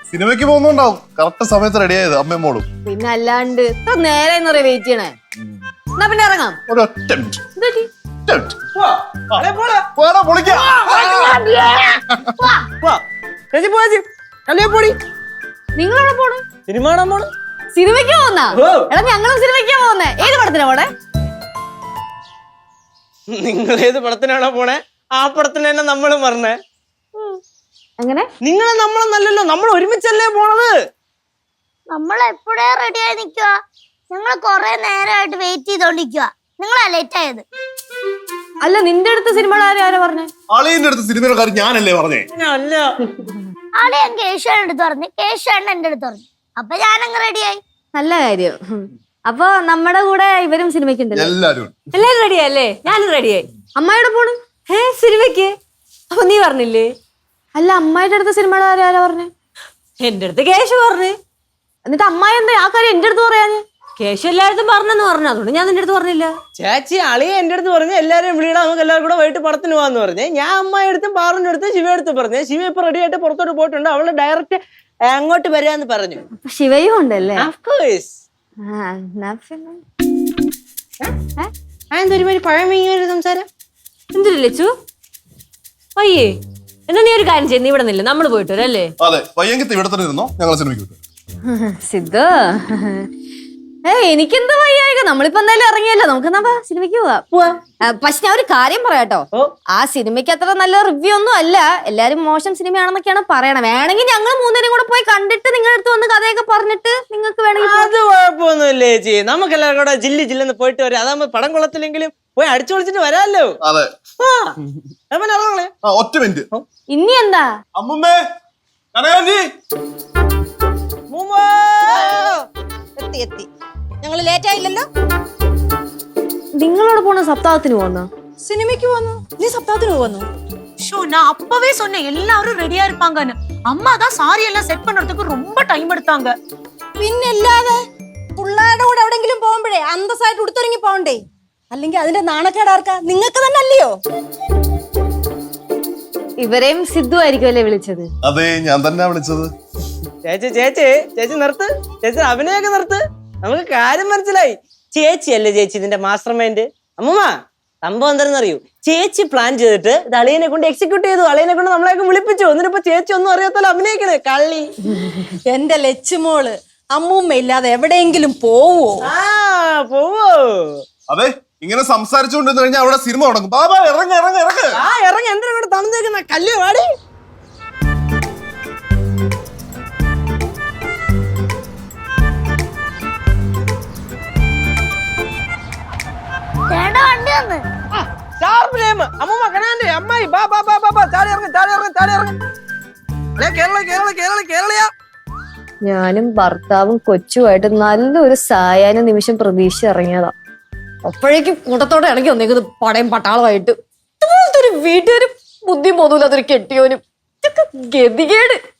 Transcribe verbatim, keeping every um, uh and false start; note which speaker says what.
Speaker 1: സിനിമയ്ക്ക് പോകുന്നുണ്ടാവും കറക്റ്റ് സമയത്ത് റെഡി ആയത് അമ്മയും മോളും.
Speaker 2: പിന്നെ അല്ലാണ്ട് ഇത്ര നേരെ വെയിറ്റ് ചെയ്യണേ. എന്നാ പിന്നെ ഇറങ്ങാം.
Speaker 1: ഒരു ഒറ്റ മിനിറ്റ്.
Speaker 2: നിങ്ങളെവിടെ പോണ്?
Speaker 3: സിനിമ കാണാൻ പോണ്.
Speaker 2: സിനിമയ്ക്ക് പോകുന്ന എടാ ഞങ്ങളും സിനിമയ്ക്കാ പോകുന്നേ. ഏത് പടത്തിനാ പോണേ?
Speaker 3: നിങ്ങൾ ഏത് പടത്തിനാണോ പോണേ ആ പടത്തിന് തന്നെ നമ്മളും പറഞ്ഞേ.
Speaker 2: അങ്ങനെ
Speaker 3: നിങ്ങളെ നമ്മളെന്നല്ലല്ലോ, നമ്മൾ ഒരുമിച്ചല്ലേ പോണത്.
Speaker 4: നമ്മൾ എപ്പോഴേ റെഡി ആയി നിക്കുക. ഞങ്ങൾ കൊറേ നേരമായിട്ട് വെയിറ്റ് ചെയ്തോണ്ടിരിക്കുക. നിങ്ങളാ ലേറ്റ് ആയത്.
Speaker 2: അല്ല നിന്റെ അടുത്ത് സിനിമയുടെ കാര്യം ആരാ പറഞ്ഞേ?
Speaker 1: അളിയന്റെ അടുത്ത് സിനിമയുടെ കാര്യം ഞാനല്ലേ പറഞ്ഞേ?
Speaker 3: അല്ല
Speaker 4: ആളെ ഞാൻ കേശുവാണ് എടുത്ത് പറഞ്ഞു, കേശുവാണ് എന്റെ അടുത്ത് പറഞ്ഞു. അപ്പൊ ഞാനങ്ങ് റെഡിയായി.
Speaker 2: നല്ല കാര്യം. അപ്പൊ നമ്മുടെ കൂടെ ഇവരും സിനിമയ്ക്ക് ഉണ്ടല്ലോ.
Speaker 1: എല്ലാരും
Speaker 2: എല്ലാരും റെഡിയല്ലേ? ഞാനും റെഡിയായി. അമ്മായിയുടെ പോണ്? ഏ സിനിമയ്ക്ക്? അപ്പൊ നീ പറഞ്ഞില്ലേ? അല്ല അമ്മായിയുടെ അടുത്ത് സിനിമയുടെ കാര്യം ആരാ പറഞ്ഞേ? എന്റെ അടുത്ത് കേശു പറഞ്ഞു. എന്നിട്ട് അമ്മായി എന്താ ആ കാര്യം എന്റെ അടുത്ത് പറയാന്? കേശു എല്ലായിടത്തും പറഞ്ഞെന്ന് പറഞ്ഞു, അതുകൊണ്ട് ഞാൻ നിന്റെ അടുത്ത് പറഞ്ഞില്ല.
Speaker 3: ചേച്ചി അളിയെ എന്റെ അടുത്ത് പറഞ്ഞു എല്ലാരും വിളിയിടാം, നമുക്ക് എല്ലാവരും കൂടെ വൈകിട്ട് പടത്തിന് പോവാന്ന് പറഞ്ഞേ. ഞാൻ അമ്മായി അടുത്തും പാറിന്റെ അടുത്തും ശിവ അടുത്ത് പറഞ്ഞേ. ശിവ ഇപ്പൊ റെഡി ആയിട്ട് പുറത്തോട്ട് പോയിട്ടുണ്ട്. അവള് ഡയറക്റ്റ് അങ്ങോട്ട് വരാന്ന് പറഞ്ഞു.
Speaker 2: ശിവയും ഉണ്ടല്ലേ?
Speaker 3: എന്തൊരുമാതിരി പഴമയൊരു സംസാരം.
Speaker 2: എന്തൊരു ലച്ചു പയ്യേ, എന്നാ നീ ഒരു കാര്യം ചെയ്ത് നീ ഇവിടെ നില്ല, നമ്മള് പോയിട്ട് വരും അല്ലേ?
Speaker 1: അതെ പയ്യെങ്കിൽ ഇവിടെ തന്നെ ഇരുന്നോ, ഞങ്ങൾ സിനിമയ്ക്ക് വിട്ടു.
Speaker 2: സിദ്ധു ഏ എനിക്കെന്താ വയ്യായിക, നമ്മളിപ്പോ എന്തായാലും ഇറങ്ങിയല്ലോ, നമുക്ക് എന്നാ സിനിമയ്ക്ക് പോവാ. പക്ഷെ ഞാൻ ഒരു കാര്യം പറയാട്ടോ, ആ സിനിമയ്ക്ക് അത്ര നല്ല റിവ്യൂ ഒന്നും അല്ല, എല്ലാരും മോശം സിനിമയാണെന്നൊക്കെയാണ് പറയണത്. വേണമെങ്കിൽ ഞങ്ങൾ മൂന്നുപേരും കൂടെ പോയി കണ്ടിട്ട് നിങ്ങളുടെ അടുത്ത് വന്ന് കഥയൊക്കെ പറഞ്ഞിട്ട് നിങ്ങൾക്ക് വേണമെങ്കിൽ.
Speaker 3: അത് കുഴപ്പമൊന്നുമില്ലേ ചേച്ചി, നമുക്ക് എല്ലാവരും കൂടെ ജില്ലി ജില്ലെന്ന് പോയിട്ട് വരാം. അതാകുമ്പോ പടം കൊള്ളത്തില്ലെങ്കിലും പോയി അടിച്ചു പൊളിച്ചിട്ട് വരാമല്ലോ.
Speaker 1: അതെ ഒറ്റ മിനിറ്റ്.
Speaker 2: ഇനി എന്താ
Speaker 1: അമ്മുമ്മേ കനകാഞ്ചി
Speaker 5: എത്തി എത്തി ഞങ്ങള് ലേറ്റ് ആയില്ലല്ലോ.
Speaker 2: നിങ്ങളോട് പോണ സപ്താഹത്തിന് പോന്നോ?
Speaker 5: സിനിമയ്ക്ക് പോന്നു. നീ സപ്താഹത്തിന് പോന്നു?
Speaker 6: ஷோ நான் அப்பவே சொன்னேன் எல்லாரும் ரெடியா இருப்பாங்கன்னு. அம்மா தான் சாரி எல்லாம் செட் பண்றதுக்கு ரொம்ப டைம் எடுத்தாங்க.
Speaker 5: പിന്നല്ലാതെ പിള്ളേരുടെ കൂടെ എവിടെങ്കിലും പോകുമ്പോഴേ അന്തസ്സായിട്ട് ഉടുത്തൊരുങ്ങി പോകണ്ടേ? അല്ലെങ്കിൽ അതിന്റെ നാണക്കേടാർക്കാ? നിങ്ങൾക്ക് തന്നെ അല്ലയോ?
Speaker 2: ഇവരെയും സിദ്ധു ആയിരിക്കുമല്ലേ വിളിച്ചത്?
Speaker 1: അതെ ഞാൻ തന്നെ വിളിച്ചത്.
Speaker 3: ചേച്ചി ചേച്ചി ചേച്ചി നിർത്ത്, ചേച്ചി അഭിനയൊക്കെ നിർത്ത്. നമുക്ക് കാര്യം മനസ്സിലായി. ചേച്ചി അല്ലേ ചേച്ചി ഇതിന്റെ മാസ്റ്റർ മൈൻഡ്. അമ്മൂമ്മ സംഭവം എന്താണെന്ന് അറിയൂ, ചേച്ചി പ്ലാൻ ചെയ്തിട്ട് ഇത് അളിയനെ കൊണ്ട് എക്സിക്യൂട്ട് ചെയ്തു. അളിയനെ കൊണ്ട് നമ്മളെയൊക്കെ വിളിപ്പിച്ചു. എന്നിട്ടിപ്പോ ചേച്ചി ഒന്നും അറിയാത്തല്ലോ അഭിനയിക്കണേ കള്ളി.
Speaker 5: എന്റെ ലച്ചുമോള് അമ്മൂമ്മ ഇല്ലാതെ എവിടെയെങ്കിലും പോവോ?
Speaker 3: ആ പോവോ?
Speaker 1: അതെ ഇങ്ങനെ സംസാരിച്ചുകൊണ്ടിരുന്നു കഴിഞ്ഞാൽ അവിടെ സിനിമ തുടങ്ങും. ബാബാ ഇറങ്ങ ഇറങ്ങ ഇറങ്ങ
Speaker 3: ആ ഇറങ്ങി എന്തിനാ ഇവിടെ തന്നേക്കുന്ന കല്ല് വാടി.
Speaker 4: വണ്ടി വന്ന്
Speaker 3: അമ്മൂമ്മ കനാന്റെ അമ്മായി ബാ ബാ ബാ ബാ ചാടി ഇറങ്ങി ചാടി ഇറങ്ങി ചാടി ഇറങ്ങി. കേരള കേരള കേരള കേരളയാ.
Speaker 2: ഞാനും ഭർത്താവും കൊച്ചുമായിട്ട് നല്ലൊരു സായാഹ്ന നിമിഷം പ്രതീക്ഷ ഇറങ്ങിയതാ. അപ്പോഴേക്കും കൂട്ടത്തോടെ ഇറങ്ങി വന്നേക്കുന്നത് പടയും പട്ടാളമായിട്ട്. ഒരു വീട്ടുകാരും ബുദ്ധി പോതൂല, അതൊരു കെട്ടിയോനും. ഗതികേട്.